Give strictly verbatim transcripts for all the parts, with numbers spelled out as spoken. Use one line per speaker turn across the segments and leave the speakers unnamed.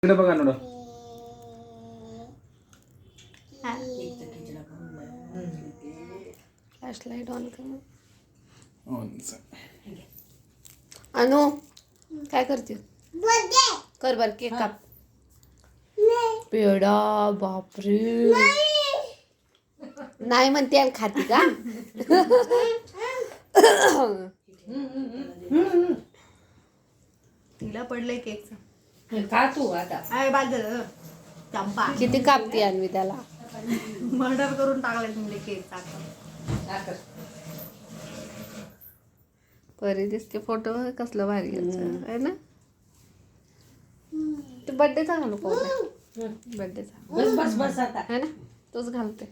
इकडे बघा नोडा.
फ्लॅशलाइट ऑन कर.
ऑन.
अनु काय करते? कर बर केक काप. पेडा बापरे. नाही म्हणते आणि खाती का?
तिला पडलंय केकचं.
का तू आता
अरे बाद झालं चंपा.
किती कापते आणवी त्याला?
मर्डर करून टाकलाय तुम्ही केक टाकून.
परी दिसते फोटो कसलं भारी आहे ना. ते बर्थडेचा घालू का बर्थडेचा?
बस बस बस आता
है ना तोच घालते.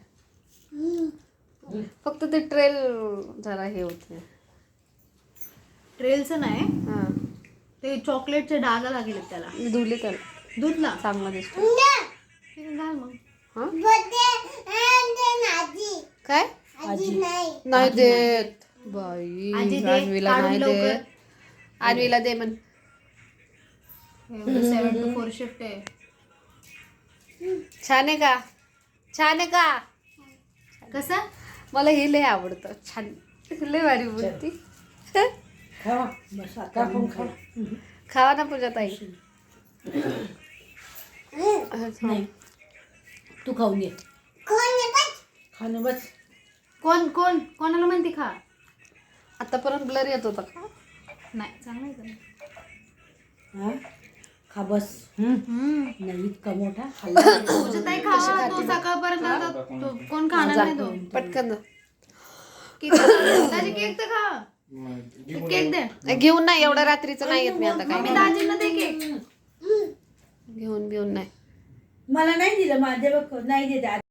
फक्त ते ट्रेल जरा हे होते.
ट्रेलचं नाही
हा
ते चॉकलेटचे डाग लागले त्याला.
मी धुले त्याला
दूधला
चांगला दिसतो.
ठीक आहे, घाल मग.
हा काय नाही देत बाई.
आजी दे,
आणवीला
काढून
नाही
लवकर.
देत. आणवीला दे म्हण.
सेवन टू फोर शिफ्ट आहे.
छान आहे का? छान आहे का?
कसं
मला हे लय आवडतं. छान लय भारी बोलती.
खावा बस आता पण खा
खावा ना पूजा ताई.
नाही तू खाऊन ये खाणं बस.
कोण कोण कोणाला म्हणते खा?
आतापर्यंत ब्लर येत होता का?
नाही चांगलं आहे का?
हा खा बस.
हम्म.
नाही इतका मोठा खाल्ला
पूजा ताई खावा तो सकाळपर्यंत आता तो कोण खाणार नाही तो.
पटकन
केक दाजी केक तर खा. केक दे.
घेऊन नाही एवढं रात्रीचं नाही येत मी आता काय.
मी दाजींना दे केक.
घेऊन घेऊन नाही.
मला नाही दिलं माझ्या बघ नाही देत.